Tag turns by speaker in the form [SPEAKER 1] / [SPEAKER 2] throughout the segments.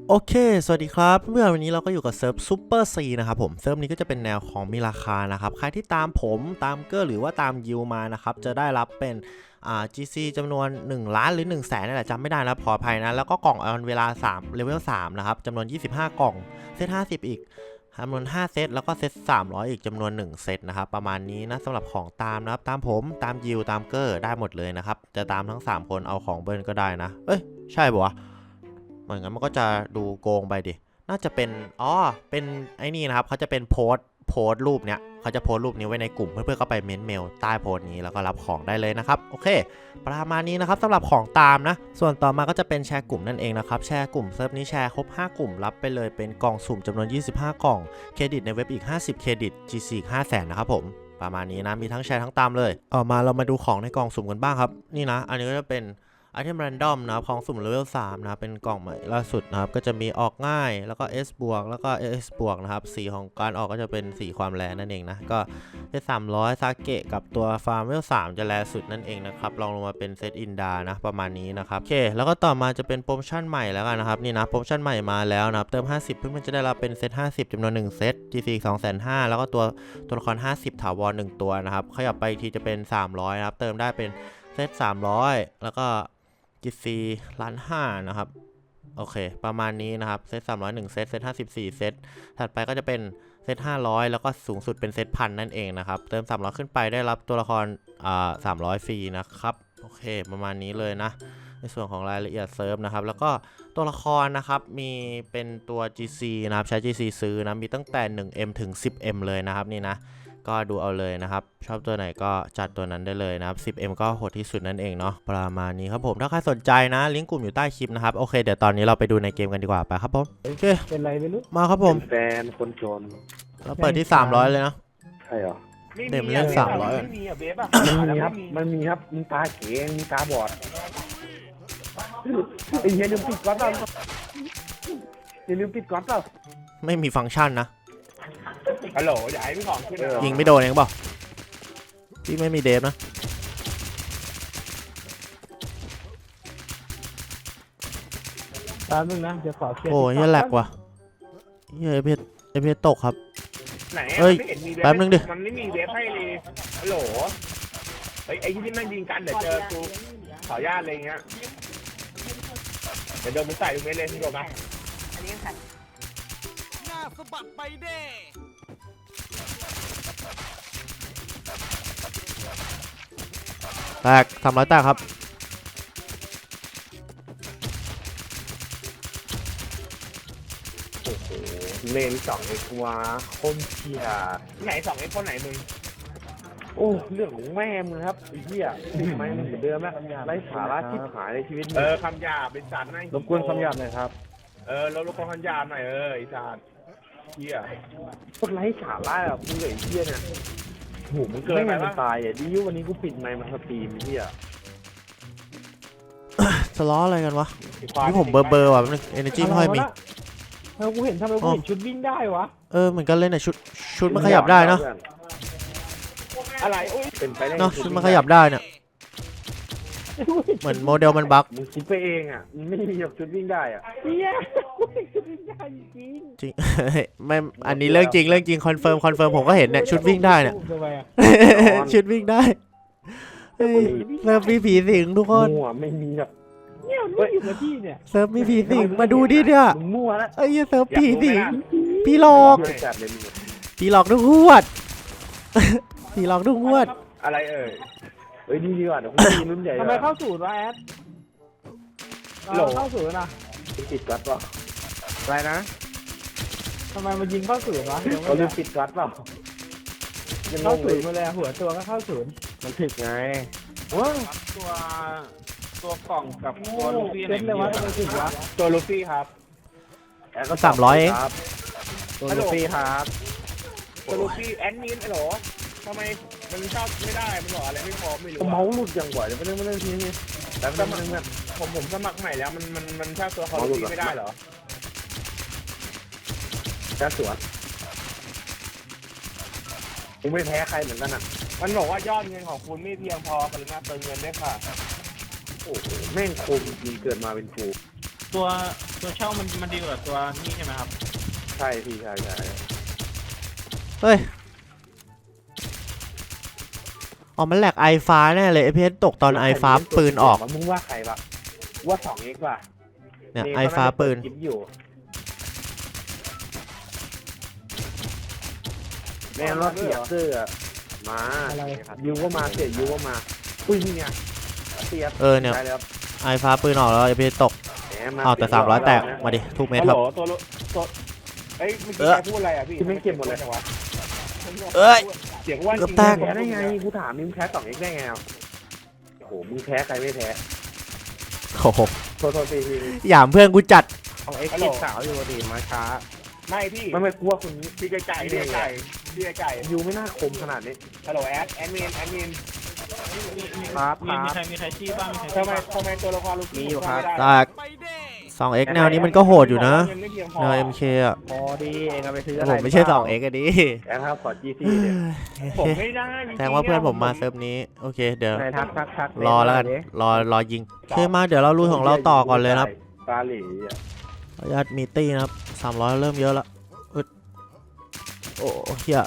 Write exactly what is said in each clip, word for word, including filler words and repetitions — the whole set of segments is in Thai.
[SPEAKER 1] โอเคสวัสดีครับเมื่อวันนี้เราก็อยู่กับเซิร์ฟซูเปอร์ซีนะครับผมเซิร์ฟนี้ก็จะเป็นแนวของมีราคานะครับใครที่ตามผมตามเกอร์หรือว่าตามยิวมานะครับจะได้รับเป็นอ่า จี ซี จำนวนหนึ่งล้านหรือหนึ่งแสนนั่นแหละจำไม่ได้นะขออภัยนะแล้วก็กล่องออนเวลาสามเลเวลสามนะครับจำนวนยี่สิบห้ากล่องเซตห้าสิบอีกจำนวนห้าเซตแล้วก็เซตสามร้อยอีกจำนวนหนึ่งเซตนะครับประมาณนี้นะสำหรับของตามนะครับตามผมตามยิวตามเกอร์ได้หมดเลยนะครับจะตามทั้งสามคนเอาของเบิร์นก็ได้นะเอ้ยใช่ปะวะเหมือนกันมันก็จะดูโกงไปดิน่าจะเป็นอ๋อเป็นไอ้นี่นะครับเขาจะเป็นโพสโพสรูปเนี้ยเขาจะโพสรูปนี้ไว้ในกลุ่มเพื่อนๆก็ไปเมนเมลใต้โพสนี้แล้วก็รับของได้เลยนะครับโอเคประมาณนี้นะครับสำหรับของตามนะส่วนต่อมาก็จะเป็นแชร์กลุ่มนั่นเองนะครับแชร์กลุ่มเซิร์ฟนี้แชร์ครบห้ากลุ่มรับไปเลยเป็นกล่องสุ่มจำนวนยี่สิบห้ากล่องเครดิตในเว็บอีกห้าสิบเครดิต จี ซี อีกห้าแสนนะครับผมประมาณนี้นะมีทั้งแชร์ทั้งตามเลยออกมาเรามาดูของในกล่องสุ่มกันบ้างครับนี่นะอันนี้ก็จะเป็นไอเทมแรนดอมนะครับของสุ่มเลเวลสามนะครับเป็นกล่องใหม่ล่าสุดนะครับก็จะมีออกง่ายแล้วก็ S บวกแล้วก็ S บวกนะครับสีของการออกก็จะเป็นสีความแรงนั่นเองนะก็เซตสามร้อยซาเกะกับตัวฟาร์มเลเวลสามจะแรงสุดนั่นเองนะครับลองลงมาเป็นเซตอินดานะประมาณนี้นะครับโอเคแล้วก็ต่อมาจะเป็นโปรโมชั่นใหม่แล้วกันนะครับนี่นะโปรโมชั่นใหม่มาแล้วนะครับเติมห้าสิบเพื่อนๆจะได้รับเป็นเซตห้าสิบจำนวนหนึ่งเซต จี ซี สองแสนห้าแล้วก็ตัวตัวละครห้าสิบถาวรหนึ่งตัวนะครับขยับไปอีกทีจะเป็นสามร้อยนะครับเติมได้เป็นเซตสามร้อยแล้วก็จี ซี ล้านห้านะครับโอเคประมาณนี้นะครับเซตสามร้อยหนึ่งเซตเซตห้าสิบสี่เซตถัดไปก็จะเป็นเซตห้าร้อยแล้วก็สูงสุดเป็นเซตพันนั่นเองนะครับเติมสามร้อยขึ้นไปได้รับตัวละครอ่าสามร้อยฟรีนะครับโอเคประมาณนี้เลยนะในส่วนของรายละเอียดเซิร์ฟนะครับแล้วก็ตัวละครนะครับมีเป็นตัว จี ซี นะครับใช้ จี ซี ซื้อนะมีตั้งแต่ หนึ่งเอ็ม ถึง สิบเอ็ม เลยนะครับนี่นะก็ดูเอาเลยนะครับชอบตัวไหนก็จัดตัวนั้นได้เลยนะครับ สิบเอ็ม ก็โหดที่สุดนั่นเองเนาะประมาณนี้ครับผมถ้าใครสนใจนะลิงก์กลุ่มอยู่ใต้คลิปนะครับโอเคเดี๋ยวตอนนี้เราไปดูในเกมกันดีกว่าไปครับผมโอเค
[SPEAKER 2] เป็นไรไม่รู้
[SPEAKER 1] มาครับผม
[SPEAKER 3] แฟนคนจน
[SPEAKER 1] เราเปิดที่สามร้อยเลยนะ
[SPEAKER 3] ใช่เหรอ
[SPEAKER 1] เดี๋ยวเล่นสามร้อย
[SPEAKER 2] ไม่มีอะเบฟอะ
[SPEAKER 3] มันมีครับมันมีครับมีตาเขงมีตาบอดไอ้เหี้ยลืมปิดก๊อตเปล่าอย่าลืมปิดก๊อตเปล่า
[SPEAKER 1] ไม่มีฟังก์ชันนะ
[SPEAKER 2] ฮัลโหลอย่าให้พี่ของขึ้นเลย
[SPEAKER 1] ยิงไม่โดนเองเปล่าพี่ไม่มีเดฟนะ
[SPEAKER 2] ตามนึงนะเดี๋ยวขอเคลียร์
[SPEAKER 1] โอ้ยแหลกว่ะเฮ้ยเพชรเพชรตกครับ
[SPEAKER 2] ไหน
[SPEAKER 1] เฮ้ย
[SPEAKER 2] ไม่เห็นมีเวฟ
[SPEAKER 1] แป๊บนึงดิ
[SPEAKER 2] มันไม่มีเวฟให้เลยฮัลโหลเฮ้ยไอ้ที่แม่งยิงกันเดี๋ยวเจอกูขออนุญาตอะไรเงี้ยเดี๋ยวโดนมึงใส่ตรงนี้เลยพี่โดนไหมอันนี้ใส่หน้าสะบัดไปเด้
[SPEAKER 1] แตกสามร้อยแตกครับ
[SPEAKER 3] เลนสองไอ้กัวคมเชียร์
[SPEAKER 2] ไหนสองไอ้คนไหนมึง
[SPEAKER 3] โอ้เรื่องของแม่มึงครับไอ้เหี้ยไม่เหมือนเดิมแล้วไร้สาระที่หายในชีวิตมึง
[SPEAKER 2] เออคำหยาบเป็นสัตว์นะ
[SPEAKER 3] รบกวนคำหยาบหน่อยครับ
[SPEAKER 2] เออเรารบกวนคำหยาบหน่อยเออไอ้สัตว์เหี้ย
[SPEAKER 3] พวกไร้สาระอ่ะมึงกับไอ้เหี้ยเนี่ย
[SPEAKER 2] โหมึงเกินไป
[SPEAKER 3] ไม่
[SPEAKER 2] ปะ
[SPEAKER 3] ตายอ่ะดิววันนี้กูปิดไมค์มันสตรีมไอ้เหี้ย
[SPEAKER 1] สล้ออะไรกันวะนี่ผมเบอร์เบอร์ว่ะนึงเอเนจีไม่ค่อยมี
[SPEAKER 2] เออกูเห็นทำไมกูเห็นชุดวิ่งได้วะ
[SPEAKER 1] เออเหมือนกันเลยเนี่ยชุดชุดมันขยับได้เนาะ
[SPEAKER 2] อะไรอุ้ย
[SPEAKER 3] เป็นไปได้
[SPEAKER 1] เนาะชุดมันขยับได้เนี่ยเหมือนโมเดลมันบั๊ก
[SPEAKER 3] มึงคิดไปเองอ่ะมึงไม่มีแบบชุดวิ่งได้อ่ะ
[SPEAKER 2] เนี่ยกูเห็นชุดวิ่งได้จริง
[SPEAKER 1] จริงไม่อันนี้เรื่องจริงเรื่องจริงคอนเฟิร์มคอนเฟิร์มผมก็เห็นเนี่ยชุดวิ่งได้เนี่ยชุดวิ่งได้เฮ้ยเซิร์ฟมีผีสิงทุกคน
[SPEAKER 3] มั่วไม่มีแบบ
[SPEAKER 2] เนี่ยมันอยู่กับที่เนี่ย
[SPEAKER 1] เซิร์ฟมีผีสิงมาดูดิเนี่ย
[SPEAKER 3] มึงมั่วแล้ว
[SPEAKER 1] ไอ้เซิร์ฟผีสิงผีหลอก
[SPEAKER 3] จัดเลยมึง
[SPEAKER 1] ผีหลอกทุกงวดผีหลอกทุกงวด
[SPEAKER 2] อะไรเอ่ย
[SPEAKER 3] เฮ้ยดีดีกว่าเดี๋ยวกูมีรุ่นใหญ่
[SPEAKER 2] ทำไมเข้าศูนย์วะแอดโหลเข้าศูนย์นะ
[SPEAKER 3] ปิดก๊อตเปล่าอะไรนะ
[SPEAKER 2] ทำไมมันยิงเข้าศูนย์วะ
[SPEAKER 3] เขาลืมปิดก๊อตเปล่า
[SPEAKER 2] เข้าศูนย์มาเลยหัวตัวก็เข้าศูนย์
[SPEAKER 3] มันผิดไง
[SPEAKER 2] ว้าตัวตัวกล่องกับตัวลูฟี่เซ็ตเลยวะทำไมถึงวะตัวลูฟี่ครับ
[SPEAKER 1] ก็สามร้อยเอง
[SPEAKER 3] ตัวลูฟี่ครับ
[SPEAKER 2] ตัวลูฟี่แอนมินไอ้หรอทำไมมันชอบไม่ได้มันบอกอะไรไม่พร้อมไม่รู้
[SPEAKER 3] เมาส์หลุดอย่างบ่อยเดี๋ยวไม่เล่นไม่เล่นทีนี้แต่สมัครเนี่ย
[SPEAKER 2] ผมผมสมัครใหม่แล้วมันมันมันชอบตัวคอร์ลูฟี่ไม่ได้เหรอ
[SPEAKER 3] แค่สวนกูไม่แพ้ใครเหมือนกันอ่ะ
[SPEAKER 2] มันบอกว่ายอดเงินของคุณไม่เพียงพอกรุณาเติมเงินด้วยค่ะ
[SPEAKER 3] โอ้โหแม่งคมจริงเกิดมาเป็นครู
[SPEAKER 2] ตัวตัว
[SPEAKER 4] ตัวเช่ามันมันดีกว่าตัวนี่ใช่ไหมครับ
[SPEAKER 3] ใช่พี่ใช่ใช่
[SPEAKER 1] เฮ้ยอ๋อมันแหลกไอฟ้าแน่เลยไอพีเอสตกตอนไอฟ้าปืนออก
[SPEAKER 3] มึงว่าใครปะว่าสองเอ็กซ์ป่ะ
[SPEAKER 1] เนี่ยไอฟ้าปืน
[SPEAKER 3] คลิปอยู่แม่รถเสียเสื้อมายูก็มาเสียยูก็มาอุ้ยนี่ไงเสีย
[SPEAKER 1] เออเนี่ย
[SPEAKER 3] ใช่แล้ว
[SPEAKER 1] ไอฟ้าปืนออกแล้วไอพีเอสตก
[SPEAKER 3] แหม
[SPEAKER 1] เอาแต่สามร้อยแตกมาดิทุกเม็ด
[SPEAKER 2] ฮัล
[SPEAKER 1] ค
[SPEAKER 2] โห
[SPEAKER 1] รับ
[SPEAKER 2] ลตัวลุตัวเอ้ยเมื่อ
[SPEAKER 1] เอ
[SPEAKER 2] กี้
[SPEAKER 1] อ
[SPEAKER 2] ใครพูดอะไรอ่ะพี่
[SPEAKER 3] ที่ไม่เก็บหมดเลย
[SPEAKER 2] จังวะ
[SPEAKER 1] เอ้ย
[SPEAKER 2] เสียงว่า
[SPEAKER 1] เกือบแตก
[SPEAKER 3] แพ้ได้ไงกูถามมึงแพ้สองเอ็กซ์ได้ไงอ่ะโอ้โหมึงแพ้ใครไม่แพ้
[SPEAKER 1] โอ้โห
[SPEAKER 3] โทษโทษทีที
[SPEAKER 1] หยามเพื่อนกูจัด
[SPEAKER 3] ของเอ็กซ์จีบสาวอยู่ดีมาช้า
[SPEAKER 2] ไม่พี่
[SPEAKER 3] ไม่ไม่กลัวคนนี้
[SPEAKER 2] พี่ไก่ไก่พี่ไก่ไก่พี่ไก่ไก่
[SPEAKER 3] ยูไม่น่าคมขนาดนี้
[SPEAKER 2] ฮัลโหลแอดแอดมินแอดมิน
[SPEAKER 3] ครับ
[SPEAKER 4] มี
[SPEAKER 3] ค
[SPEAKER 4] มี
[SPEAKER 3] รับ
[SPEAKER 4] ใครมีใครชี้บ้างมีใคร
[SPEAKER 2] ทำ
[SPEAKER 4] ชี้
[SPEAKER 2] ไม
[SPEAKER 4] บ้าง
[SPEAKER 2] ทำไมตัวละครลูก
[SPEAKER 3] มีอยู่ครับ
[SPEAKER 1] แตก สองเอ็กซ์ แนวนี้มันก็โหดอยู่นะ
[SPEAKER 2] เงิไม่เพียงพอ
[SPEAKER 1] แนว เอ็ม เค อ่ะ
[SPEAKER 3] พอดีเองเอาไปซื้อ
[SPEAKER 1] แต่
[SPEAKER 3] อะไร
[SPEAKER 1] ผมไม่ใช่ สองเอ็กซ์ อ่ะดิ
[SPEAKER 3] แอนครับขอจีซีเนี่ย
[SPEAKER 2] ผมไม่ได้จริงๆ
[SPEAKER 1] แสดงว่าเพื่อนผมมาเซิร์ฟนี้ โอเค เดี๋ยว
[SPEAKER 3] ในทักทักทัก
[SPEAKER 1] รอแล้วกัน รอรอยิงโอเคมาเดี๋ยวเราลุยของเราต่อก่อนเลยนะครับ
[SPEAKER 3] ปลาหลีอ่ะ
[SPEAKER 1] ขออนุญาตมีตี้นะครับสามร้อยเริ่มเยอะละอึดโอ้เฮีย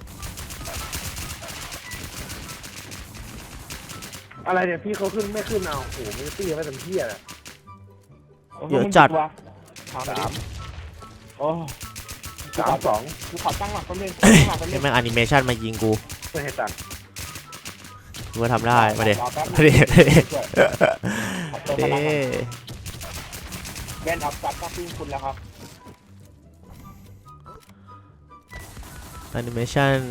[SPEAKER 3] อะไรเนี่ยพี่เขาขึ้นไม่ขึ้นเอาโอ้โหไม่ตีไม่เต็มที่อ่ะ
[SPEAKER 1] เยอะจัด
[SPEAKER 2] สาม
[SPEAKER 3] สาม
[SPEAKER 2] โอ้
[SPEAKER 3] สามสอง
[SPEAKER 2] กูขอตั้งหลักแป๊บนึงตั้งหลักแป๊บนึ
[SPEAKER 1] นี่
[SPEAKER 2] ง
[SPEAKER 1] แม่งแอนิเมชันมายิงกู
[SPEAKER 3] ไม่ให้ตังค์
[SPEAKER 1] กูก็ทำได้มาเด็
[SPEAKER 2] รอแป๊บนึง
[SPEAKER 1] มาเด็มาเด็
[SPEAKER 2] ขอตัวพ
[SPEAKER 1] เด้
[SPEAKER 2] ลังก่อนแบนอัพซับก็ขึ้นคุณแล้วครับ
[SPEAKER 1] แอนิเมชัน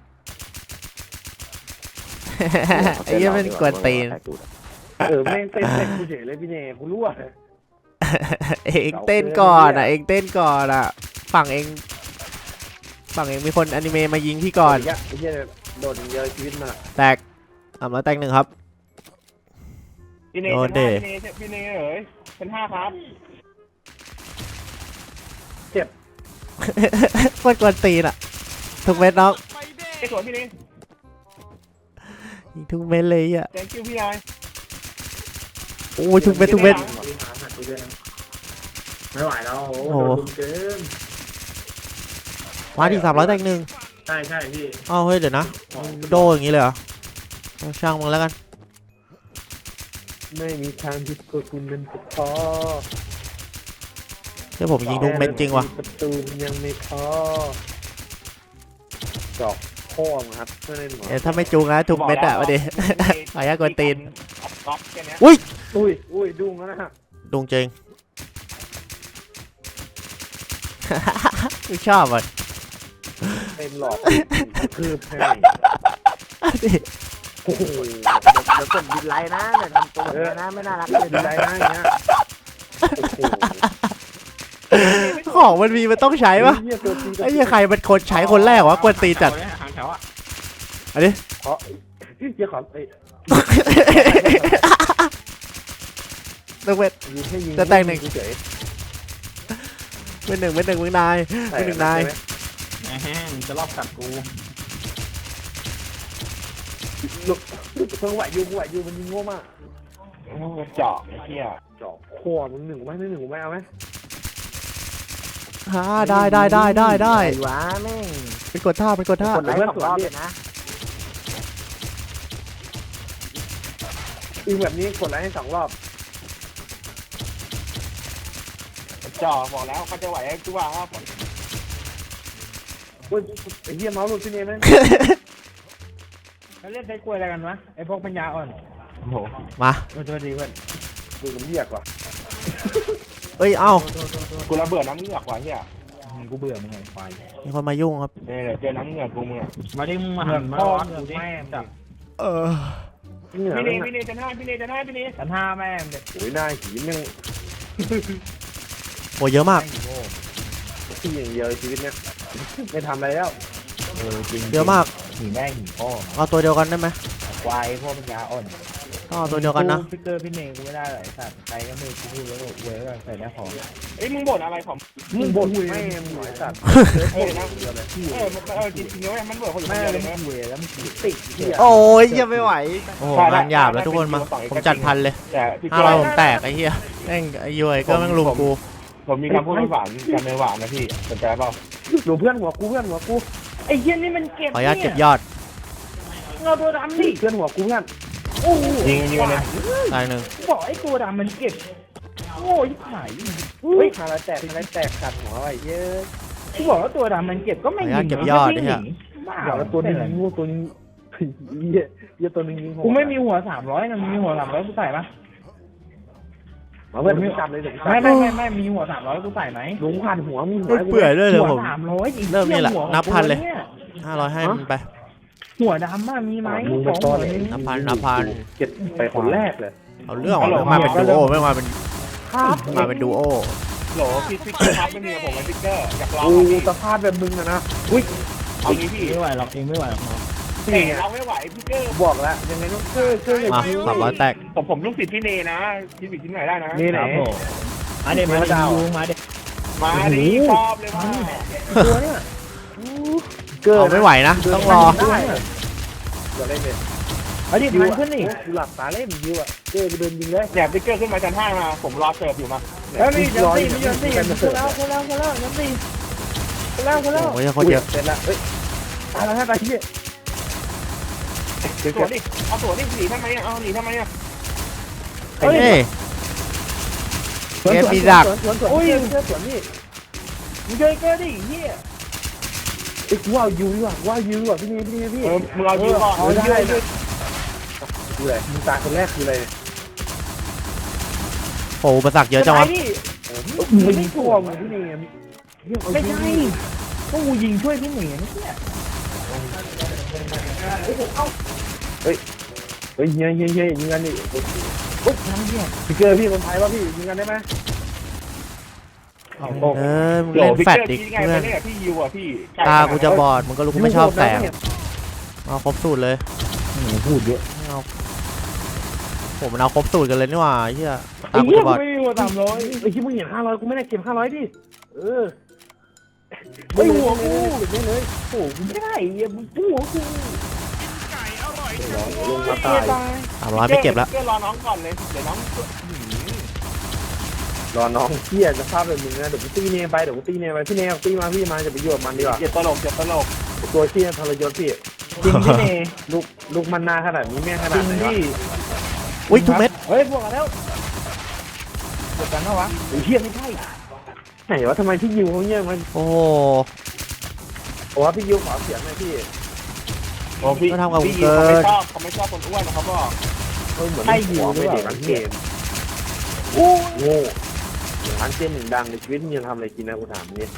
[SPEAKER 1] ไอ้เหี้ยมันกวนตีน
[SPEAKER 3] เออแม่งเต้นเต้นกูเฉยเลยพี่เนยกูรู้อ่ะ
[SPEAKER 1] เองเต้นก่อนอ่ะเองเต้นก่อนอ่ะฝั่งเองฝั่งเองมีคนอนิเมะมายิงพี่ก่อน
[SPEAKER 3] ไอ้เหี้ยโดนเยอะชีวิตมา
[SPEAKER 1] แตกสามร้อยแตกหนึ่งครับ
[SPEAKER 2] พี่เน
[SPEAKER 1] โด
[SPEAKER 2] ย
[SPEAKER 1] น
[SPEAKER 2] เป็น
[SPEAKER 1] เด
[SPEAKER 2] ห้าพี่เนยพี่เนยเอ๋ยเป็นห้าครับ
[SPEAKER 1] โคตรกวนตีนอ่ะทุกเม็ดน้อง
[SPEAKER 2] ไอ้สวนพี่เนย
[SPEAKER 1] ยิงทุกเม็ดเลยอ่ะ
[SPEAKER 2] แจงคิวพี่นาย
[SPEAKER 1] โอ้ยทุกเม็ดทุกเม็ด
[SPEAKER 3] ไม่ไหวแล้วโอ้
[SPEAKER 1] โอ้
[SPEAKER 3] โห
[SPEAKER 1] โห
[SPEAKER 3] โดนเกิน
[SPEAKER 1] มาที่สามร้อยแตกหนึ่ง
[SPEAKER 3] ใช่ใช่พี่
[SPEAKER 1] อ้าวเฮ้ยเดี๋ยวนะโดอย่างนี้เลยเหรอเอาช่างมึงแล้วกัน
[SPEAKER 3] ไม่มีทางที่ตัวคุณเป็นพอ
[SPEAKER 1] เดี๋ยวผมยิงทุกเม็ดจริงว่ะ
[SPEAKER 3] ประตูยังไม่พอจอกพ่อมครับเพื่อนเล่นหมอ
[SPEAKER 1] เดี๋ยวถ้าไม่จูงนะทุกเม็ดอ่ะมาดิ ขออนุญาตกวนตีน
[SPEAKER 2] อัพก๊อปแค่เนี้ย
[SPEAKER 3] อุ้ยอุ้ยดุ้งแล้วนะฮะ
[SPEAKER 1] ดุงจริง กูชอบอ่ะ
[SPEAKER 3] เต็มหลอกคืบให้
[SPEAKER 1] ดิ
[SPEAKER 3] โอ้โห
[SPEAKER 5] เดี๋ยวกดดินไลน์นะเดี๋ยวทำตัวแบบนี้นะไม่น่ารักเลย
[SPEAKER 3] ดีใจนะอย่างเงี้ยโอ้โห
[SPEAKER 1] ของมันมีมันต้องใช้ปะ
[SPEAKER 3] เหี้ยตัวจริง
[SPEAKER 1] ไอ้เหี้ยใครเป็นคนใช้คนแรกวะกวนตีนจัด
[SPEAKER 4] หางแถวอ่ะ
[SPEAKER 1] อันนี้
[SPEAKER 3] เพราะเหี้ยขอไอ้
[SPEAKER 1] ต้องเป็น
[SPEAKER 3] ยิงให้ยิง
[SPEAKER 1] จะแต่งหนึ่ง
[SPEAKER 3] เฉย
[SPEAKER 1] เป็นหนึ่งเป็นหนึ่งมึงนาย
[SPEAKER 3] ใส่
[SPEAKER 1] เป็นหนึ่งนาย
[SPEAKER 4] แหมจะรอบกัดกู
[SPEAKER 3] ลูกลูกเพิ่งไหวยูไหวยูมันยิงโง่มาก
[SPEAKER 2] โอ้เจาะไอ้เหี้ย
[SPEAKER 3] จอกคอมึงหนึ่งไหมไม่หนึ่งไหมเอาไหม
[SPEAKER 1] ฮ่าได้ได้ได้ได้ได้
[SPEAKER 5] ไอ้หวะแม่ง
[SPEAKER 1] เป็นกดท่าเป็นกดท่า
[SPEAKER 5] กดไลค์สองรอบเลยนะ
[SPEAKER 3] ยิงแบบนี้กดไลค์ให้สองรอบ
[SPEAKER 2] เจาะบอกแล้วเขาจะไหวไอ้ตัวครับ
[SPEAKER 3] อุ้ยไอ้เหี้ยเมาส์หลุดพี่เนยไหม
[SPEAKER 5] เขาเล่นใช้กล้วยอะไรกันวะไอ้พวกปัญญาอ่อน
[SPEAKER 2] โอ้โห
[SPEAKER 1] มา
[SPEAKER 5] ตัวตัวดีเพื่อน
[SPEAKER 3] ดูมันเรียกว่ะ
[SPEAKER 1] เอ้ยเอ้า
[SPEAKER 2] กูระเบิดน้ำเหงือกว่ะเหี้ย
[SPEAKER 5] กูเบื่อมึงไงไฟ
[SPEAKER 1] มีคนมายุ่งครับ
[SPEAKER 2] เนี่ยเดี๋ยวเจอน้ำเหงือกกูมึงอะ
[SPEAKER 4] มาดิมึงมาหันมา
[SPEAKER 5] พ่อ
[SPEAKER 4] ร้อน
[SPEAKER 5] มึ
[SPEAKER 4] กู
[SPEAKER 5] ง
[SPEAKER 4] ดิ
[SPEAKER 5] แม่ง
[SPEAKER 4] จับ
[SPEAKER 1] เออ
[SPEAKER 3] เหงื่อ
[SPEAKER 2] พี่เน
[SPEAKER 3] มัน
[SPEAKER 2] ยพี่เนยจะหน้าพี่เนยจะหน้าพี่เนย
[SPEAKER 5] ชั้นห้าแม่งเด็ก
[SPEAKER 3] โอ้ยหน้าหีมันยัง
[SPEAKER 1] โอ้เยอะมาก
[SPEAKER 3] ที่อย่างเดียวชีวิตเนี้ยไม่ทำอะไรแล้ว
[SPEAKER 5] เออจริง
[SPEAKER 1] เยอะมาก
[SPEAKER 5] หีแม่งหีพ่อ
[SPEAKER 1] เอาตัวเดียวกันได้ไหม
[SPEAKER 5] ควายพวกปัญญาอ่อน
[SPEAKER 1] ต้องเอาตัวเดียวกันนะ
[SPEAKER 5] ฟิกเกอร์พี่เนยกูไม่ได้หรอกไอ้สัตว์ใครก็ไม่กูพูดแล้วก็เว้ยแล้วใส่หน้าของ
[SPEAKER 2] เอ้ยมึงบ่นอะไรของ
[SPEAKER 3] มึงบ่นแม่มึงหน่อยสัตว์
[SPEAKER 2] เออนะเออมันเออจริงๆแล้วมันบ่นคนอยู่คน
[SPEAKER 5] แม่
[SPEAKER 2] เดียว
[SPEAKER 5] เล
[SPEAKER 2] เลย ย
[SPEAKER 5] มึ
[SPEAKER 2] นะ
[SPEAKER 5] งเว้ยแล้วมึงติดเหี้ย
[SPEAKER 1] โอ้ยยังไม่ไหวโอ้โหงานหยาบแล้วทุกคนมาผมจัดพันเลย
[SPEAKER 2] แต่พี่
[SPEAKER 1] ห้าร้อยผมแตกไอ้เหี้ยแม่งไอ้ย้อยก็แม่งลุมกู
[SPEAKER 2] ผมมีคำพูดหวานกันในหวานนะพี่สนใจเปล่า
[SPEAKER 3] ดูเพื่อนหัวกูเพื่อนหัวกู
[SPEAKER 5] ไอ้เหี้ยนี่มันเก็บ
[SPEAKER 1] ขออนุญาตเก็บยอด
[SPEAKER 5] เงาตัวดำดิ
[SPEAKER 3] เพื่อนหัวกูเพื่อน
[SPEAKER 5] โอ้โห
[SPEAKER 2] ยิงยิงกันเลย
[SPEAKER 1] ตายหนึ่ง
[SPEAKER 5] บอกไอ้ตัวดำมันเก็บโง่ยิ่งหาย
[SPEAKER 3] เฮ้ยขาละแตกขาละแตกขัดหัวไอ้เย้ย
[SPEAKER 5] กูบอกว่าตัวดำมันเก็บก็ไม่ยิงบ้า
[SPEAKER 3] เดี๋ยวแล้วตัวนี้ยิงงูตัวนี้เหี้ยเหี้ยตัวนึงยิง
[SPEAKER 5] กูไม่มีหัวสามร้อยนะมีหัวสามร้อยกูใส่ปะ
[SPEAKER 3] มาเพื่อนมึงจำเลยเดี๋ยว
[SPEAKER 5] ไม่ไม่ไม่ไม่มีหัวสามร้อยกูใส่ไหม
[SPEAKER 3] ลุงผ่านหัวมีหัว
[SPEAKER 1] ไม่เปื่อยด้วยเลย
[SPEAKER 5] หัว
[SPEAKER 1] ผม
[SPEAKER 5] สามร้อยอีก
[SPEAKER 1] เริ่มนี่แหละ
[SPEAKER 5] หัว
[SPEAKER 1] นับพันเลย
[SPEAKER 5] หัว
[SPEAKER 1] ห้าร้อยให้มันไป
[SPEAKER 5] หัวดำอะมีไหม
[SPEAKER 3] มึง
[SPEAKER 5] ข
[SPEAKER 3] เป็น
[SPEAKER 5] อง
[SPEAKER 3] ต้
[SPEAKER 5] หั
[SPEAKER 3] น
[SPEAKER 5] ว
[SPEAKER 3] เลย
[SPEAKER 5] นี้
[SPEAKER 1] นับพันนับพัน
[SPEAKER 3] เก็บไปคนแรกเลย
[SPEAKER 1] เอาเรื่องออกเลยมาเป็นดูโอไม่มาเป็น
[SPEAKER 3] ครับ
[SPEAKER 1] มาเป็นดูโอ
[SPEAKER 2] โหลพี่พิกเกอร์ครับไม่มีกับผมไอ้พิกเกอร์อยากลอง
[SPEAKER 3] กู
[SPEAKER 2] อ่ะพี่
[SPEAKER 3] สภาพแบบมึงอะนะอุ้ย
[SPEAKER 2] เอางี้พี่
[SPEAKER 5] ไม่ไหวหรอกเองไม่ไหวหรอก
[SPEAKER 2] แต่เราไม่ไหวพิกเกอร์
[SPEAKER 3] บอกแล้วยังไงต้องเชื่อเชื่ออย่าง
[SPEAKER 1] มา
[SPEAKER 3] นี้
[SPEAKER 1] สามร้อยแตก
[SPEAKER 2] ผมผมลูกศิษย์พี่เนนะพี่บิดที่ไหนได้นะ
[SPEAKER 3] นี่ไหน
[SPEAKER 5] มาเด็มาเด็มาเด็
[SPEAKER 2] มาดิชอบเลยว่า
[SPEAKER 3] ตัวเนี่ยเกิ
[SPEAKER 1] เอาไม่ไหวนะ ต้องรอ
[SPEAKER 3] ได้เดี๋ยวเล่นเลย
[SPEAKER 5] มาเด็มันขึ้นนี่
[SPEAKER 3] กูหลับตาเล่นยิวอ่ะเกิเดินยิงเลย
[SPEAKER 2] เนี่ยพิกเกอร์ขึ้นมาชั้นห้ามาผมรอเสิร์ฟอยู่มา
[SPEAKER 5] แล้วมียันตีมียันตีคนแล้วคนแล้วคนแล้วยันตีคนแล้วคนแล้ว
[SPEAKER 1] โอ้ยโคตรเยอะ
[SPEAKER 3] เสร็จละเฮ้ยตายแล้วให้ไปที่เดี๋ยว
[SPEAKER 2] สวนดิเอาสวนดิหนีทำไมอ่ะเอาหนีทำไมอ่ะ
[SPEAKER 1] เฮ้ยเกมมีดัก
[SPEAKER 3] สวนสวนสวนเชื่อสวนนี่
[SPEAKER 5] มึงเคยเจอดิเฮีย
[SPEAKER 3] ไอ้กูว่ายูดีกว่าว่ายูดีกว่าพี่นี่พี่นี่พี่
[SPEAKER 2] เออมึงเอายิงก่อน
[SPEAKER 3] เอาได้เลยคืออะไรมึงตายคนแรกคืออะไร
[SPEAKER 1] โอ้อุปสรรคเยอะจังวะ
[SPEAKER 3] มึงไม่ตัวมึงพี่นี่
[SPEAKER 5] ไม่ใช่ก็กูยิงช่วยพี่หนีนะเนี่ย
[SPEAKER 3] เฮ้ยเฮียเฮียเฮียยิงกันดิ
[SPEAKER 5] ปุ๊บน้ำเฮีย
[SPEAKER 3] พี่เกอร์พี่คนไทยว่าพี่ยิงกันได้ไหม
[SPEAKER 1] เออมึงเล่นแฟดดิ
[SPEAKER 2] ไง
[SPEAKER 1] เพื่
[SPEAKER 2] ไป
[SPEAKER 1] อน
[SPEAKER 2] เล่นกับพี่ยิวอ่ะพี่
[SPEAKER 1] ตากูจะบอดมึงก็รู้กูไม่ชอบแสงเอาครบสูตรเลย
[SPEAKER 3] พูดเยอะ
[SPEAKER 1] เอาผมมันเอาครบสูตรกันเลยนี่หว่าเฮียตา
[SPEAKER 5] ไอ้
[SPEAKER 1] กู
[SPEAKER 5] เฮีย
[SPEAKER 1] จะบอด
[SPEAKER 5] ไม่มีหัวสามร้อย
[SPEAKER 3] ไอ้ที่มึงเห็นห้าร้อยกูไม่ได้เก็บห้าร้อยดิเออ
[SPEAKER 5] ไอ้หัวกู
[SPEAKER 3] เก็บเลย
[SPEAKER 5] โอ้กูไม่ได้เฮียมึงหัวกู
[SPEAKER 3] ลงมาตาย
[SPEAKER 1] สามร้อยไม่เก็บแล้ว
[SPEAKER 2] เกอร์รอน้องก่อนเลยเดี๋ยวน้อง
[SPEAKER 3] รอน้องเที่ยจะภาพแบบมึงนะเดี๋ยวกูตีเนไปเดี๋ยวกูตีเนไปพี่เนตีมาพี่มาจะไปอยู่กับมันดีกว่า
[SPEAKER 2] เจ็บตลกเจ็บตลก
[SPEAKER 3] ตัวเที่ยทรยศพี่
[SPEAKER 5] จริงพี่เน
[SPEAKER 3] ลูกลูกมันนาขนาดนี้แม่งข
[SPEAKER 5] จ
[SPEAKER 3] นา
[SPEAKER 5] ริ
[SPEAKER 3] ด
[SPEAKER 5] ง
[SPEAKER 3] ไหนวะ
[SPEAKER 5] พี่
[SPEAKER 1] อุ้ยทุกเม็ด
[SPEAKER 5] เฮ้ยบวกกันแล้วบวกกันแล้ววะ
[SPEAKER 3] ไอ้เที่ยไม่ใช่ไหนวะทำไมพี่ยิวเขาเงี้ยมัน
[SPEAKER 1] โอ้โห
[SPEAKER 3] โอ้พี่ยิวขอเสียงหน่อยพี่
[SPEAKER 2] โอ้พี่
[SPEAKER 1] ก็ทำกับ
[SPEAKER 2] พี่
[SPEAKER 1] เกิ
[SPEAKER 2] เขาไม่
[SPEAKER 1] น
[SPEAKER 2] ชอบเขาไม่ชอบคนอ้วนนะครับพ่อ
[SPEAKER 3] เฮ้ยเหมือนยิวไม่เด็กหลังเกม
[SPEAKER 5] โอ้
[SPEAKER 3] โง่อย่างร้านเกมหนึ่งดังในชีวิตมึงจะทำอะไรกินนะกูถามนี่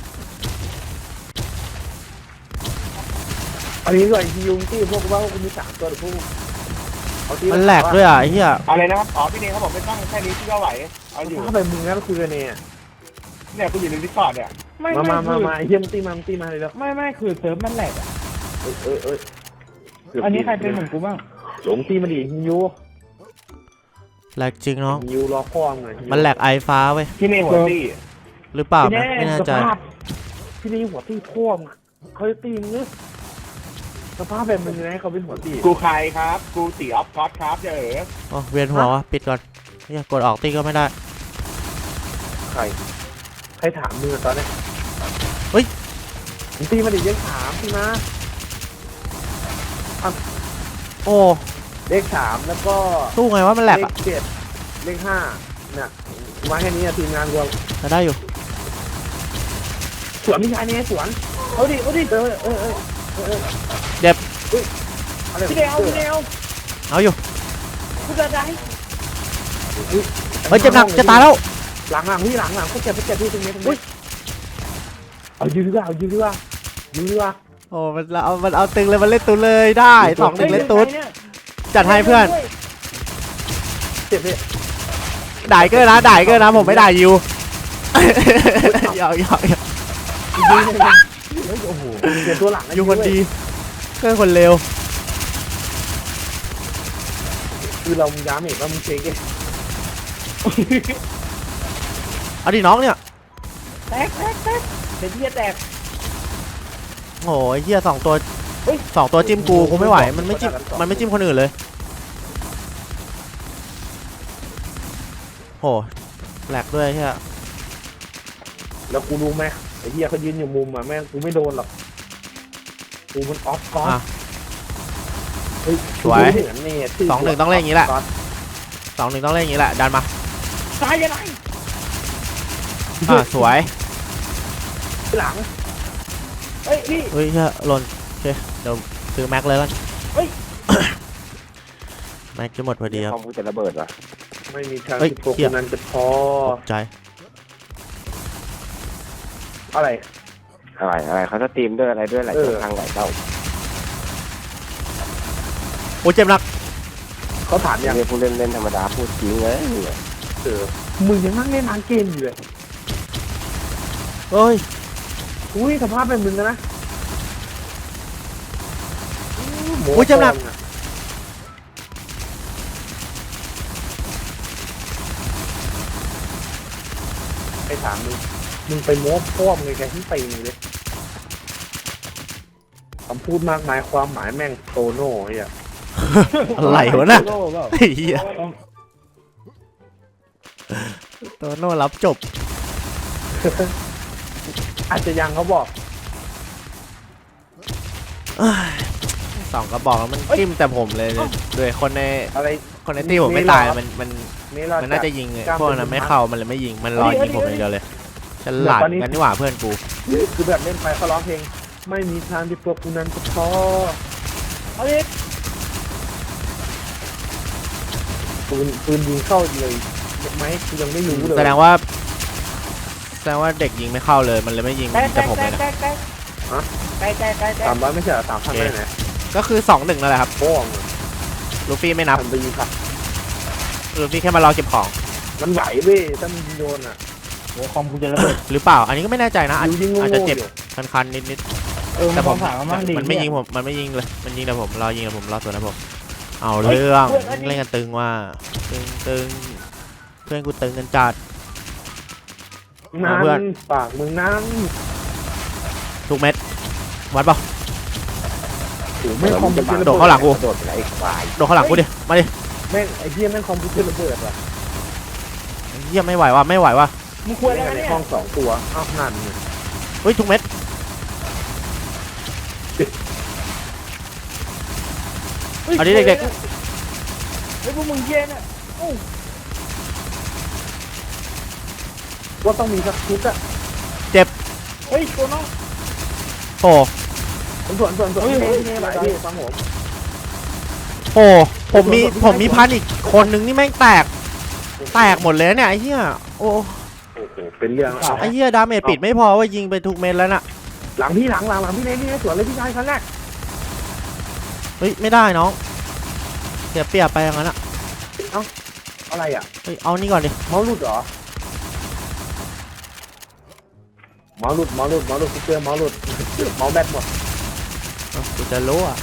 [SPEAKER 3] อันนี้ก็ไอ้ยิวที่พวกว่ากูมีสามตัวหรือพวก
[SPEAKER 1] มันแหลกด้วยอ่ะไอ้เหี้ย
[SPEAKER 2] อะไรนะครับอ๋อพี่เนยเขาบอกไม่ต้องแค่นี้พี่ก็ไหวเอาอยู่
[SPEAKER 3] ถ้าแบบมึงงั้นคุยกันเนี่ย
[SPEAKER 2] เนี่ยกูอยู่ในดิสคอร์ดเนี่ย
[SPEAKER 5] ไม่
[SPEAKER 3] มา
[SPEAKER 5] ไม่
[SPEAKER 3] มามา
[SPEAKER 5] คือ
[SPEAKER 3] มาไอ้เฮียมตีมาตีมาเลยแล้ว
[SPEAKER 5] ไม่ไม่คือเซิร์ฟมันแหลกอ่ะ
[SPEAKER 3] เอ้ยเอ้ยเอ้ย
[SPEAKER 5] อันนี้ใครเป็นเหมือนกูบ้าง
[SPEAKER 3] หลงตีมาดิยิว
[SPEAKER 1] แหลกจริงน้อง
[SPEAKER 3] ยิวรอพ่อมึงไง
[SPEAKER 1] มันแหลกไอฟ้าเว้ย
[SPEAKER 2] พี่เนยหัวตี้
[SPEAKER 1] หรือเปล่านะไม่แน่ใจ
[SPEAKER 3] สภาพที่นี่หัวตีพ่อมึงเขาจะตีมึงเนอะสภาพแบบมึงไงเขาเป็นหัวตี
[SPEAKER 2] กูใครครับกูตีออฟคอสครับเจ๋อ
[SPEAKER 1] โอ้เวียนหัววะปิดก่อนเฮียกดออกตีก็ไม่ได้
[SPEAKER 3] ใครใครถามมึงอะตอนนี้
[SPEAKER 1] เฮ้ย
[SPEAKER 3] มึงตีมาดิเลขสามตีมา
[SPEAKER 1] โอ้
[SPEAKER 3] เลขสามแล้วก็
[SPEAKER 1] สู้ไงวะมันแหลก
[SPEAKER 3] เล
[SPEAKER 1] อ่ะ
[SPEAKER 3] ขเจ็ดเลขห้าเนี่ยมาแค่นี้อะทีมงานรวม
[SPEAKER 1] จะได้อยู่
[SPEAKER 3] สวนพี่ชายเนี่ยสวนเอาดิเอาดิเออเออเออเออ
[SPEAKER 1] เด็บ
[SPEAKER 3] อะไร
[SPEAKER 5] พี่เดวพี่เดว
[SPEAKER 1] เอาอยู่
[SPEAKER 5] กูจะได้
[SPEAKER 1] เฮ้ยเจ็บหนักจะตายแล้ว
[SPEAKER 3] หลังหลังพี่หลังหลังเขาเจ็บเขาเจ็บพี่ตรงนี้ตรงนี้เอายืดดีกว่าเอายืดดีกว่ายืดดีกว่า
[SPEAKER 1] โอ้มันเอามันเอาตึงเลยมันเล่นตุนเลยได้สองหนึ่งเล่นตุนจัดให้เพื่อน
[SPEAKER 3] เจ็บพี่
[SPEAKER 1] ด่ายเกอร์นะด่ายเกอร์นะผมไม่ด่ายูหยอกหยอกหยอก
[SPEAKER 3] ยืดเลยเฮ้ยโอ้โหเจ็บตัวหลัง
[SPEAKER 1] ยูคนดีเกอร์คนเร็ว
[SPEAKER 3] คือเราย้ำอีกว่ามึงเช็คเอง
[SPEAKER 1] เอาดิน้องเนี่ย
[SPEAKER 5] แตกแตกแตกเดี๋ยวพี่จะแตก
[SPEAKER 1] โอ้ยเฮียสองตัวสองตัวจิ้มกูกูไม่ไหวมันไม่จิ้มมันไม่จิ้มคนอื่นเลยโหแหลกด้วยเฮีย
[SPEAKER 3] แล้วกูรู้ไหมไอ้เหี้ยเขายืนอยู่มุมอ่ะแม่งกูไม่โดนหรอกกูมันออฟก๊อต
[SPEAKER 1] อ่ะ
[SPEAKER 3] เฮ้ย
[SPEAKER 1] สวย
[SPEAKER 3] กูรู้เหมือนนี่ชื่
[SPEAKER 1] สองหนึ่งต้องเล่นอย่างนี้แหละ
[SPEAKER 3] ก๊อต
[SPEAKER 1] สองหนึ่งต้องเล่นอย่างนี้แหละดันมา
[SPEAKER 3] ตายยังไง
[SPEAKER 1] อ่าสวย
[SPEAKER 3] หลังเฮ้ยพี่
[SPEAKER 1] เฮ้ยเฮ้ยหล่นโอเคเดี๋ยวซื้อแม็กเลยแล้ว
[SPEAKER 3] เฮ้ย
[SPEAKER 1] แม็กจะหมดพอดีครับ
[SPEAKER 6] คอมกูจะระเบิดว่ะ
[SPEAKER 3] ไม่มีทาง
[SPEAKER 1] เฮ้ย
[SPEAKER 3] ที่พวก
[SPEAKER 1] เหี้ย
[SPEAKER 3] นั้นจะพอ
[SPEAKER 1] ตกใจ
[SPEAKER 3] อะไร
[SPEAKER 6] อะไรอะไรเขาจะตีมด้วยอะไรด้วยหลาย
[SPEAKER 3] เออ
[SPEAKER 6] ทางหลายเจ้า
[SPEAKER 1] โอ้เจ็บหนัก
[SPEAKER 3] เขาถามยัง
[SPEAKER 6] เรียกผู้เล่นเล่นธรรมดาพูดจริงเลย
[SPEAKER 3] เออมึงยังนั่งเล่นทางเกมอยู่เลย
[SPEAKER 1] เฮ้ย
[SPEAKER 3] อุ้ยสภาพเป็นมึงนะหมู
[SPEAKER 1] อุ้ยเจ็บหนัก
[SPEAKER 3] ฟองอะไอ้ถามมึงมึงไปโม้พ่อมึงไงแกที่ตีมึงเลยคำพูดมากมายความหมายแม่งโตโน่ไอ้เหี้ย
[SPEAKER 1] อะไรวะน่ะ
[SPEAKER 3] โตโเปล่า
[SPEAKER 1] ไอ้เหี้ยตัวโน่รับจบ
[SPEAKER 3] อาจจะยังเขาบอก
[SPEAKER 1] สองกระบอกแล้วมันจิ้มแต่ผมเลยด้วยคนใน
[SPEAKER 3] อะไร
[SPEAKER 1] คนในที่ผมไม่ตายมันมัน
[SPEAKER 3] นี่เรา
[SPEAKER 1] มัน
[SPEAKER 3] จะ
[SPEAKER 1] น่าจะยิงไง
[SPEAKER 3] กล้าม
[SPEAKER 1] พวกนั้น
[SPEAKER 3] เป็น
[SPEAKER 1] ไม่เข้ามันเลยไม่ยิงมันรอยิงผมอย่างเดียวเลยฉลาด
[SPEAKER 3] ตอนนี้
[SPEAKER 1] กันนี่หว่าเพื่อนกู
[SPEAKER 3] คือแบบเล่นไปเขาร้องเพลง ไม่มีทางที่พวกกูนั้นจะพอเอาดิปืนปืนยิงเข้าเลยไหมกูยังไม่รู้เลย
[SPEAKER 1] แสดงว่าแสดงว่าเด็กยิงไม่เข้าเลยมันเลยไม่ยิงแต่ผมเลยนะ
[SPEAKER 3] สามร้อยไม่ใช่เหรอสามพันไม่ไหน
[SPEAKER 1] ก็คือสองหนึ่งนั่นแหละครับ
[SPEAKER 3] โป้ง
[SPEAKER 1] ลูฟี่ไม่นับ
[SPEAKER 3] ทำไปยิงครับ
[SPEAKER 1] ลูฟี่แค่มารอเก็บของ
[SPEAKER 3] มันไหวเว้ยถ้ามันโดนอ่ะ
[SPEAKER 5] หัวคอมกูจะระเบิด
[SPEAKER 1] หรือเปล่า อันนี้ก็ไม่แน่ใจนะอาจ
[SPEAKER 3] ดูยิงโง่
[SPEAKER 1] อาจจะเจ็บ
[SPEAKER 3] ๆอยู่
[SPEAKER 1] คันๆนิด
[SPEAKER 5] เออ
[SPEAKER 1] ๆแต่ผม
[SPEAKER 5] ถามว่ามันดี
[SPEAKER 1] มันไม่ยิงผมมันไม่ยิงเลยมันยิงแต่ผมรอยิงแต่ผมรอตัวนะผมเอาเรื่องเล่นกันตึงว่าตึงตึงเพื่อนกูตึงกันจัด
[SPEAKER 3] นั่
[SPEAKER 1] เพื่อน
[SPEAKER 3] นปากมึงนั่น
[SPEAKER 1] ทุกเม็ดวัดเปล่า
[SPEAKER 3] โอ้ไม่คอมพิวเตอร์
[SPEAKER 1] โดดเข้าหลังกู
[SPEAKER 6] โดดไปไหนอีกฝ่าย
[SPEAKER 1] โดดข้างหลังกูดิมาดิ
[SPEAKER 3] แม่งไอ้เหี้ยแม่งคอมพิวเตอร์ระเบิดว่ะ
[SPEAKER 1] เยี่ยไม่ไหวว่ะไม่ไหวว่ะ
[SPEAKER 5] มึงควร
[SPEAKER 3] เล่
[SPEAKER 5] แล้ว
[SPEAKER 3] นใน
[SPEAKER 5] เนี่ย
[SPEAKER 3] ห้องสองตัวอ้าวนั่นไง
[SPEAKER 1] เฮ้ยทุกเม็ดเอาดิเด็ก
[SPEAKER 5] เฮ้ยพวกมึงเย็นอ่ะ
[SPEAKER 3] ว่าต้องมีสักชุดอะ
[SPEAKER 5] เฮ้ยตัวน้อง
[SPEAKER 1] ๆโอ้
[SPEAKER 3] ส่วนส่วนส่วนส่วนเท่ๆหลายที่ฟังผม
[SPEAKER 1] โหผมมีผมมีพันอีกคนนึงนี่แม่งแตกแตกหมดเลยเนี่ยไอ้เหี้ยโอ้
[SPEAKER 3] โอ้โหเป็นเรื่องเอา
[SPEAKER 1] ไอ้เหี้ยดาเมจปิดไม่พอว่ายิงไปทุกเม็ดแล้วน่ะ
[SPEAKER 3] หลังพี่หลังหลังหลังพี่เนยพี่เนยสวนเลยพี่ชายครั้งแรก
[SPEAKER 1] เฮ้ยไม่ได้น้องเสียเปรียบไปอย่างนั้นอ่ะ
[SPEAKER 3] อะไรอ่ะ
[SPEAKER 1] เฮ้ยเอานี่ก่อนดิ
[SPEAKER 3] เมาส์หลุดเหรอเมาส์หลุดเมาส์หลุดเมาส์หลุดเจอเมาส์หลุดเมาส์แบตหมด
[SPEAKER 1] เอ้ากูจะรู้อ่ะ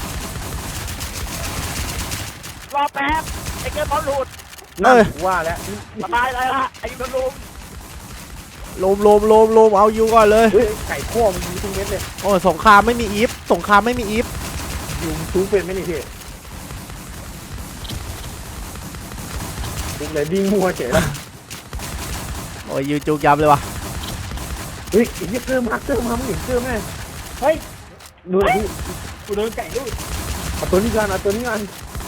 [SPEAKER 5] รอแป๊บไอ้เกิร์ลบอลหลุด
[SPEAKER 3] นั่นว่าแล้ว
[SPEAKER 5] สบายเลยละไอ้ยูนลุม
[SPEAKER 1] โลมโลมโลมโลมเอาอยู่ก่อนเลย
[SPEAKER 3] เฮ้ยไก่ข้อมันยิงทุกเม็ดเลย
[SPEAKER 1] โอ้สงครามไม่มีอีฟสงครามไม่มีอีฟ
[SPEAKER 3] ยิงชูเป็นไหมนี่พี่ยิงเลยดิ้งมัวเฉยแล้ว
[SPEAKER 1] โอ้ยยูจุกยับเลยว่ะ
[SPEAKER 3] เฮ้ยไอ้เหี้ยเกอร์มาเกอร์มามึงเห็นเกอร์ไหม
[SPEAKER 5] เฮ้ย
[SPEAKER 3] ดูดิพี่
[SPEAKER 5] กูโดนไก่ลูก
[SPEAKER 3] เอาตัวนี้กันเอาตัวนี้กัน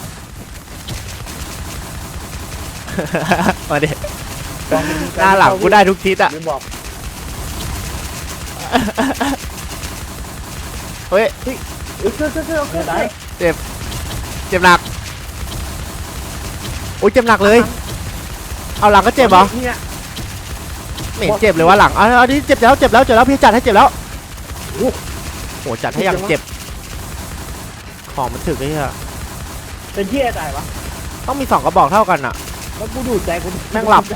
[SPEAKER 1] มาดิหน้าหลังกูได้ทุกทิศอ่ะ
[SPEAKER 3] ลืมบอก
[SPEAKER 1] เฮ้ย
[SPEAKER 3] เฮ้ยเกอร์เกอร์เกอร์เกอร์ได้
[SPEAKER 1] เจ็บหนักโอ้ยเจ็บหนักเลย เอาหลังก็เจ็บเหรอ
[SPEAKER 3] เนี่ย
[SPEAKER 1] ไม่เห็นเจ็บเลยว่าหลังเอาเอาดิเจ็บแล้วเจ็บแล้วเจ็บแล้วพี่จัดให้เจ็บแล้วโหจัดให้อย่างเจ็บของมันถึกไอ้เหี้ย
[SPEAKER 5] เป็นที่อะไรวะ
[SPEAKER 1] ต้องมีสองกระบอกเท่ากันอ่ะ
[SPEAKER 5] แล้วกูดูดใจกู
[SPEAKER 1] แม่งหลับ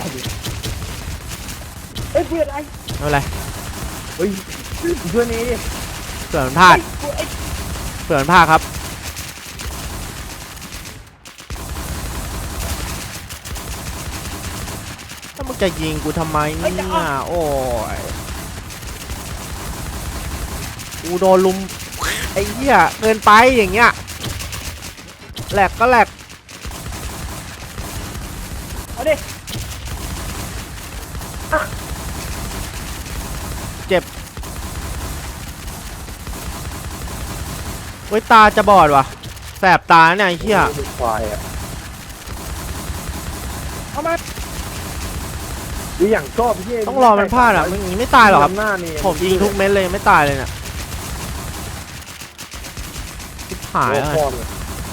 [SPEAKER 5] เฮ้ยเพื่อนไอ้
[SPEAKER 1] ไม่เป็นไร
[SPEAKER 3] เฮ้ยเพื่อนนี้ดิ
[SPEAKER 1] เผื่อมันพลาด
[SPEAKER 5] กูไอ้
[SPEAKER 1] เผื่อมันพลาดครับถ้ามึงจะยิงกูทำไมเนี่ยโอ้ยกูโดนลุมไอ้เหี้ยเกินไปอย่างเงี้ยแหลกก็แหลก
[SPEAKER 5] เอาดิ
[SPEAKER 1] เจ็บเว้ยตาจะบอดว่ะแสบตาเนี่ยไอ้เหี้ย
[SPEAKER 3] ควายอ่ะ
[SPEAKER 5] เอามา
[SPEAKER 3] ดูอย่างชอบพี่
[SPEAKER 1] ต้องรอมันพลาดอ่ะมันอย่างนี้ไม่ตายหรอกครับ
[SPEAKER 3] หน้านี่
[SPEAKER 1] ผมยิงทุกเม็ดเลยไม่ตายเลยเนี่ยชิบหายแล้ว
[SPEAKER 3] โอ้
[SPEAKER 1] ไง
[SPEAKER 3] โห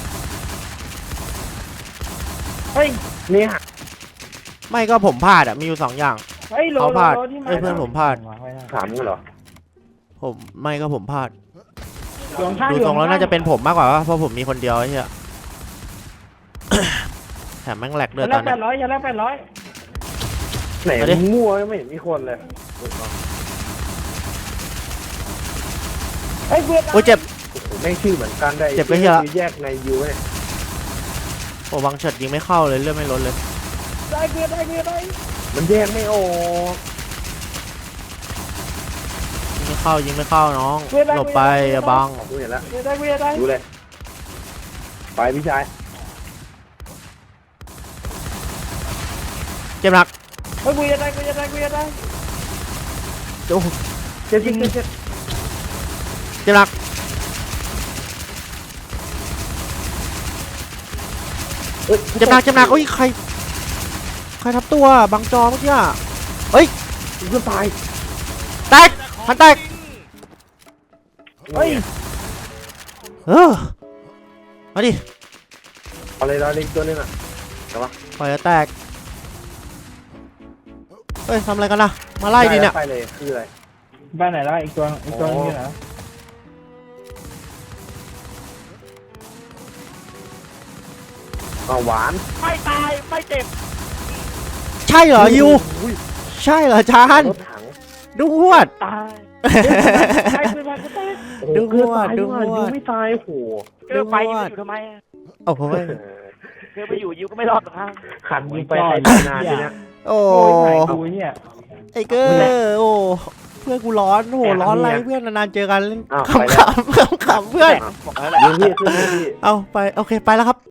[SPEAKER 5] เฮ้ย
[SPEAKER 3] เนี่ย
[SPEAKER 1] ไม่ก็ผมพลาดอ่ะมีอยู่สองอย่าง
[SPEAKER 5] เฮ้ยโล
[SPEAKER 1] เขา
[SPEAKER 5] โล
[SPEAKER 1] พลาด
[SPEAKER 5] โลที่มา
[SPEAKER 1] เอ้ยเพื่อนผมพลาด
[SPEAKER 3] ถามมึงเหรอ
[SPEAKER 1] ผมไม่ก็ผมพลาด
[SPEAKER 5] อยู่ข้าง
[SPEAKER 1] ดู
[SPEAKER 5] อยู่
[SPEAKER 1] ทรงแล้ว
[SPEAKER 5] ข้
[SPEAKER 1] น่าจะเป็นผมมากกว่าเพราะผมมีคนเดียวไอ้เหี้ย แถมแม่งแหลก
[SPEAKER 5] อ
[SPEAKER 1] ด้วย
[SPEAKER 5] ย่า
[SPEAKER 1] ต
[SPEAKER 5] แล
[SPEAKER 1] อก น
[SPEAKER 5] แป
[SPEAKER 1] เนี้
[SPEAKER 5] ดร้อยอย่าแลกแปดร้อย
[SPEAKER 3] ไหน
[SPEAKER 1] เอาดิ
[SPEAKER 3] มึงมั่วไม่เห็นมีคนเลย
[SPEAKER 5] เฮ้ยเบื่อ
[SPEAKER 1] โอ้ยเจ็บ
[SPEAKER 3] แม่งชื่อเหมือนกันได้
[SPEAKER 1] เจ็บไปเหี้ย
[SPEAKER 3] แยกในยูเนี่ย
[SPEAKER 1] โอ้บังเฉิดยิงไม่เข้าเลยเลือดไม่ลดเลย
[SPEAKER 5] ได้เบื่อได้เบื่อได้
[SPEAKER 3] มันแยกไม่ออก
[SPEAKER 1] ยิงไม่เข้ายิงไม่เข้าน้องหลบไปอย่าบัง
[SPEAKER 3] ดูเห็นแล้ว
[SPEAKER 5] เบื่อได้เบื่อได้
[SPEAKER 3] ดูเลยไปพี่ชาย
[SPEAKER 1] เจ็บหนัก
[SPEAKER 5] เฮ้ยเบื่อได้เบื่อได้เบื่อได้
[SPEAKER 1] โอ้โห
[SPEAKER 3] เจ็บจริงเจ็บเจ็บ
[SPEAKER 1] เจ็บหนัก
[SPEAKER 3] เอ้ย
[SPEAKER 1] เจ็บหนักเจ็บหนักโอ้ยใครใครทับตัวบังจอเมื่อกี้อะเฮ้ย
[SPEAKER 3] กูจะตาย
[SPEAKER 1] แตกพันแตก
[SPEAKER 3] เฮ้ย
[SPEAKER 1] เออมาดิ
[SPEAKER 3] อะไรเราเล็กตัวนึงอ่ะ
[SPEAKER 1] ปล่อยจะแตกเฮ้ยทำอะไรกันนะมาไล่ดิเนี่ย
[SPEAKER 3] ไปเลยคืออะไร
[SPEAKER 5] บ้านไหนล่ะอีกตัวอีกตัวนึงอยู่ไหน
[SPEAKER 3] เอาหวาน
[SPEAKER 5] ไม่ตายไม่เจ็บ
[SPEAKER 1] ใช่เหรอยู
[SPEAKER 3] อุ้ย
[SPEAKER 1] ใช่เหรอจาน
[SPEAKER 3] รถถัง
[SPEAKER 1] ดูหวด
[SPEAKER 5] ตายไอ้ปืนมากูตาย
[SPEAKER 3] โอ้โห
[SPEAKER 1] ดู
[SPEAKER 3] เกือบ
[SPEAKER 1] ว่า
[SPEAKER 3] ตาย
[SPEAKER 1] ดู
[SPEAKER 3] ด้วย
[SPEAKER 1] ว่า
[SPEAKER 3] ยูไม่ตายโอ้โห
[SPEAKER 5] เกิดไปยิงอยู่ทำไม
[SPEAKER 1] โอ้โห
[SPEAKER 5] เกิดไปอยู่ยิวก็ไม่รอดหรอกครับ
[SPEAKER 3] ขันยิงไปใครตายนานทีเนี้ย
[SPEAKER 1] โอ้
[SPEAKER 5] โอ้ยไหนกูเนี่ย
[SPEAKER 1] ไอ้เกอร์โอ้เพื่อนกูร้อนโอ้โหร้อนอะไรเพื่อนนานๆเจอกันเล่น
[SPEAKER 3] อ้าว
[SPEAKER 1] ขำๆขำๆเพื่อน
[SPEAKER 5] บอกแล้วแหละ
[SPEAKER 3] ยิงพี่ขึ้นเลยพี่
[SPEAKER 1] เอาไปโอเคไปแล้วครับ